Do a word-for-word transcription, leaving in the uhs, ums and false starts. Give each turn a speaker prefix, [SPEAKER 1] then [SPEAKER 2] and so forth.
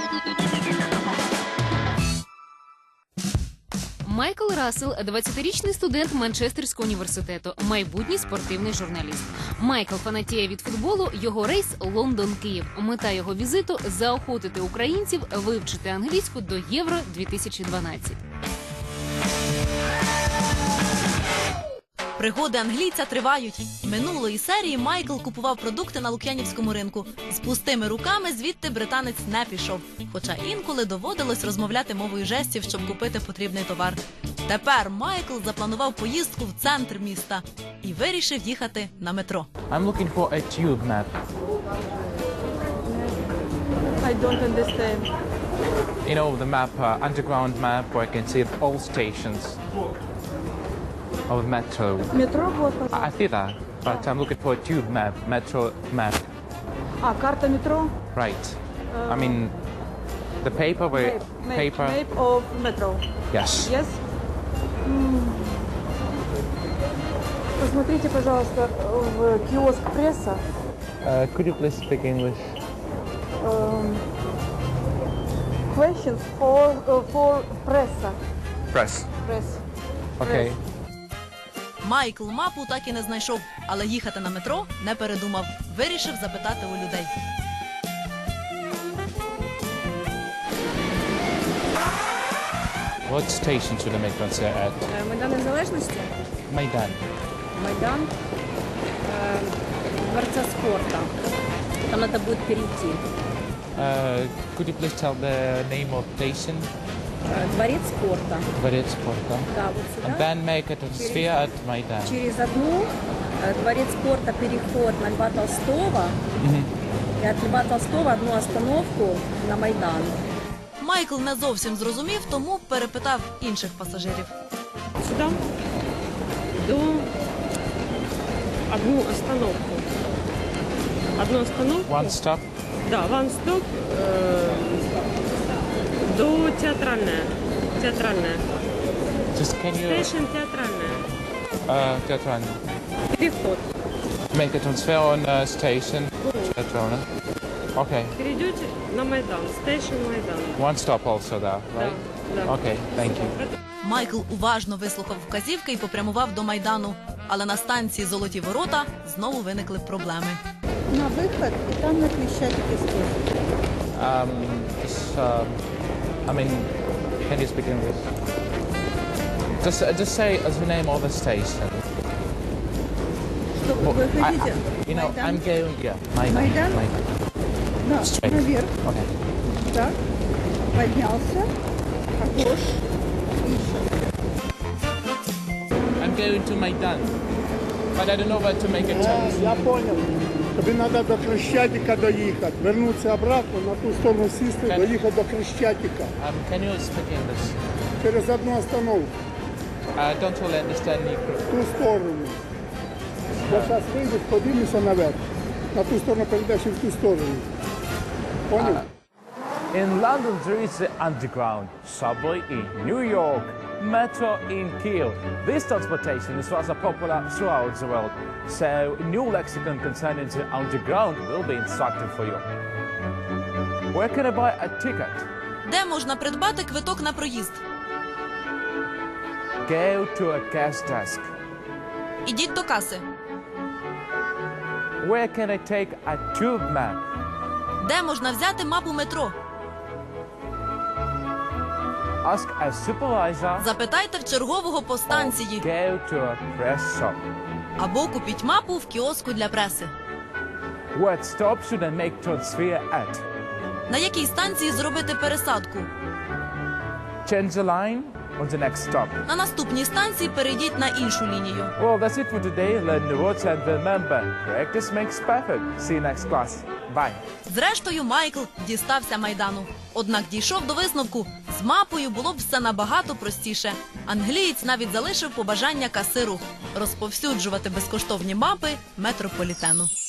[SPEAKER 1] Майкл Рассел – двадцятирічний студент Манчестерського університету, майбутній спортивний журналіст. Майкл фанатіє від футболу, його рейс – Лондон-Київ. Мета його візиту – заохотити українців вивчити англійську до Євро дві тисячі дванадцять.
[SPEAKER 2] Пригоди англійця тривають. Минулої серії Майкл купував продукти на Лук'янівському ринку. З пустими руками звідти британець не пішов. Хоча інколи доводилось розмовляти мовою жестів, щоб купити потрібний товар. Тепер Майкл запланував поїздку в центр міста і вирішив їхати на метро.
[SPEAKER 3] I'm looking for a tube map.
[SPEAKER 4] I don't understand.
[SPEAKER 3] You know, the map, uh, underground map, where I can see all stations of metro.
[SPEAKER 4] Метро вот.
[SPEAKER 3] I I see that, but I'm looking for a tube map, metro map.
[SPEAKER 4] А, карта метро?
[SPEAKER 3] Right. I mean, the paper where
[SPEAKER 4] Map,
[SPEAKER 3] paper.
[SPEAKER 4] map of metro.
[SPEAKER 3] Yes.
[SPEAKER 4] Yes? М. Посмотрите, пожалуйста, в киоск пресса.
[SPEAKER 3] Uh, could you please speak English?
[SPEAKER 4] Эм, questions for, uh, for pressa.
[SPEAKER 3] Press.
[SPEAKER 4] Press.
[SPEAKER 3] Okay.
[SPEAKER 2] Майкл мапу так і не знайшов, але їхати на метро не передумав. Вирішив запитати у людей.
[SPEAKER 3] What station should I make concert at?
[SPEAKER 5] Майдан Незалежності,
[SPEAKER 3] Майдан.
[SPEAKER 5] Майдан э, Дворца спорта. Там надо будет перейти.
[SPEAKER 3] Uh, could you please tell the name of station?
[SPEAKER 5] Э, Дворец спорта.
[SPEAKER 3] Дворец спорта.
[SPEAKER 5] Да, вот сюда.
[SPEAKER 3] And then make a transfer at Майдан.
[SPEAKER 5] Через одну э, Дворец спорта переход на Льва Толстого. И от Льва Толстого одну остановку на Майдан.
[SPEAKER 2] Майкл не зовсім зрозумів, тому перепитав інших пасажирів.
[SPEAKER 6] Сюда до одну остановку. Одну остановку.
[SPEAKER 3] One stop.
[SPEAKER 6] Да, one stop э, до театральная. Театральная.
[SPEAKER 3] Just can you...
[SPEAKER 6] Station театральная.
[SPEAKER 3] Uh, театральный.
[SPEAKER 6] Переход.
[SPEAKER 3] Make a transfer on uh, station. Театральный. Okay.
[SPEAKER 6] Перейдете на Майдан. Station Майдан.
[SPEAKER 3] One stop also there, right?
[SPEAKER 6] Да, да.
[SPEAKER 3] Okay, thank you.
[SPEAKER 2] Майкл уважно вислухав вказівки і попрямував до Майдану. Але на станції «Золоті ворота» знову виникли проблеми.
[SPEAKER 4] На выход, и там на Крещатике стоит.
[SPEAKER 3] Um, just, um, I mean, can you speak English? Just, uh, just say as the name of the station.
[SPEAKER 4] Что, вы
[SPEAKER 3] I,
[SPEAKER 4] хотите?
[SPEAKER 3] I, you know,
[SPEAKER 4] Майдан?
[SPEAKER 3] I'm going, yeah, Майдан.
[SPEAKER 4] Майдан? Да,
[SPEAKER 3] Straight.
[SPEAKER 4] наверх.
[SPEAKER 3] Okay.
[SPEAKER 4] Так. Поднялся. Окош.
[SPEAKER 3] I'm going to Майдан, but I don't know where to make a turn.
[SPEAKER 7] Я понял. Тобі треба до Крещатика доїхати, вернутися обратно, на ту сторону сісти,
[SPEAKER 3] Can-
[SPEAKER 7] доїхати до Крещатика.
[SPEAKER 3] Um, can you speak English?
[SPEAKER 7] Через одну остановку,
[SPEAKER 3] I don't really understand Negro.
[SPEAKER 7] в ту сторону. Бо зараз вийдеш, подивимося наверх. На ту сторону перейдеш і в ту сторону. Понял?
[SPEAKER 8] In London, there is the underground, subway in New York, metro in Kiel. This transportation is rather popular throughout the world, so new lexicon concerning the underground will be instructive for you. Where can I buy a ticket?
[SPEAKER 2] Де можна придбати квиток на проїзд?
[SPEAKER 8] Go to a cash desk.
[SPEAKER 2] Ідіть до каси.
[SPEAKER 8] Where can I take a tube map?
[SPEAKER 2] Де можна взяти мапу метро?
[SPEAKER 8] Ask a supervisor.
[SPEAKER 2] Запитайте в чергового по станції.
[SPEAKER 8] Go to a press shop.
[SPEAKER 2] Або купіть мапу в кіоску для преси.
[SPEAKER 8] What stop should I make transfer at?
[SPEAKER 2] На якій станції зробити пересадку?
[SPEAKER 8] Change the line on the next stop.
[SPEAKER 2] На наступній станції перейдіть на іншу лінію.
[SPEAKER 8] Well, that's it for today. Learn the words and remember, practice makes perfect. See you next class. Bye.
[SPEAKER 2] Зрештою, Майкл дістався Майдану. Однак дійшов до висновку, з мапою було б все набагато простіше. Англієць навіть залишив побажання касиру – розповсюджувати безкоштовні мапи метрополітену.